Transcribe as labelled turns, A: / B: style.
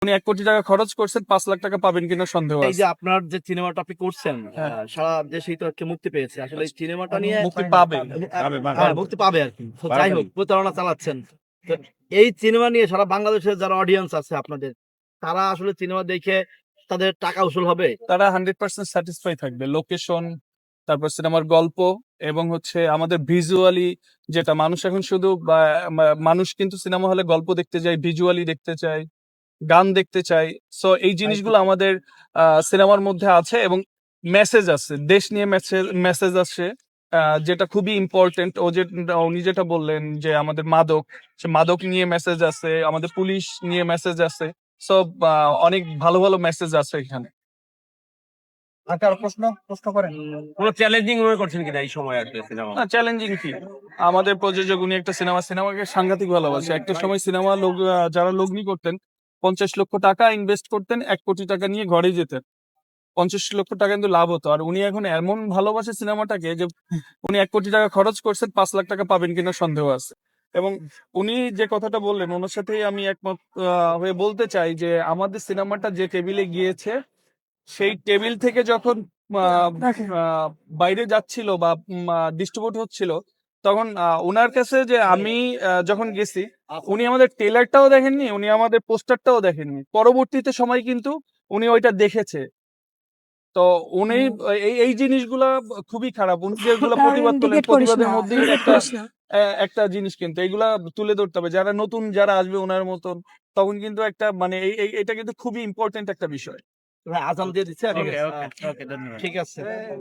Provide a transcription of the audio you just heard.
A: উনি ১ কোটি টাকা খরচ করছেন, ৫ লাখ টাকা পাবেন কিনা সন্দেহ
B: এই যে
A: আছে।
B: আপনার যে সিনেমাটা আপনি করছেন
A: হ্যাঁ।
B: সারা দেশেই তো আজকে মুক্তি পেয়েছে। আসলে এই সিনেমাটা নিয়ে
A: মুক্তি পাবে।
B: হ্যাঁ, মুক্তি পাবে আরকি। তো যাই হোক, প্রতারণা চালাচ্ছেন। তো এই সিনেমা নিয়ে সারা বাংলাদেশের যারা অডিয়েন্স আছে আপনাদের, তারা আসলে সিনেমা দেখে তাদের টাকা উসুল হবে?
A: তারা 100% স্যাটিসফাই থাকবে। লোকেশন, তারপর সিনেমার গল্প এবং হচ্ছে আমাদের ভিজুয়ালি, যেটা মানুষ এখন শুধু মানুষ কিন্তু সিনেমা হলে গল্প দেখতে যায়, ভিজুয়ালি দেখতে চায়, গান দেখতে চাই। সো এই জিনিসগুলো আমাদের সিনেমার মধ্যে আছে এবং মেসেজ আছে। দেশ নিয়ে মেসেজ আছে, যেটা খুবই ইম্পর্টেন্ট। উনি যেটা বললেন যে আমাদের মাদক, সে মাদক নিয়ে মেসেজ আছে, আমাদের পুলিশ নিয়ে মেসেজ আছে। সো অনেক ভালো, ভালো মেসেজ আছে এখানে।
C: আর কারো প্রশ্ন করেন।
D: কোন চ্যালেঞ্জিং মনে করছেন কিনা এই সময় আসলে সিনেমা?
A: না, চ্যালেঞ্জিং কি? আমাদের প্রযোজক উনি একটা সিনেমাকে সাংঘাতিক ভালোবাসে। একটা সময় সিনেমা যারা লগ্নি করতেন, ৫০ লক্ষ টাকা ইনভেস্ট করতেন, ১ কোটি টাকা নিয়ে ঘরে যেতেন। ৫০ লক্ষ টাকা কিন্তু লাভ হতো। আর উনি এখন এমন ভালোবাসে সিনেমাটাকে যে উনি ১ কোটি টাকা খরচ করছেন, ৫ লাখ টাকা পাবেন কিনা সন্দেহ আছে। এবং উনি যে কথাটা বললেন, ওনার সাথেই আমি একমত হয়ে বলতে চাই যে আমাদের সিনেমাটা যে টেবিলে গিয়েছে, সেই টেবিল থেকে যখন বাইরে যাচ্ছিল বা ডিস্ট্রিবিউট হচ্ছিল, তখন উনার কাছে যে আমি যখন গেছি, উনি আমাদের ট্রেলারটাও দেখেননি, উনি আমাদের পোস্টারটাও দেখেননি। পরবর্তীতে সময় কিন্তু উনি ওইটা দেখেছে। তো উনি এই জিনিসগুলা খুবই খারাপ। উনি যেগুলো প্রতিবাদ করলেন,
E: ইন্ডিকেট করিস
A: প্রতিবাদের
E: না,
A: মধ্যেই
E: ইন্ডিকেট
A: একটা
E: করিস না।
A: একটা জিনিস, কিন্তু এগুলা তুলে ধরতে হবে। যারা নতুন যারা আসবে উনার মতন, তখন কিন্তু একটা মানে এটা কিন্তু খুবই ইম্পর্টেন্ট একটা বিষয়।
B: আজান দিয়ে দিচ্ছে এখন।
D: ওকে, ওকে, ওকে, ধন্যবাদ।
B: ঠিক আছে।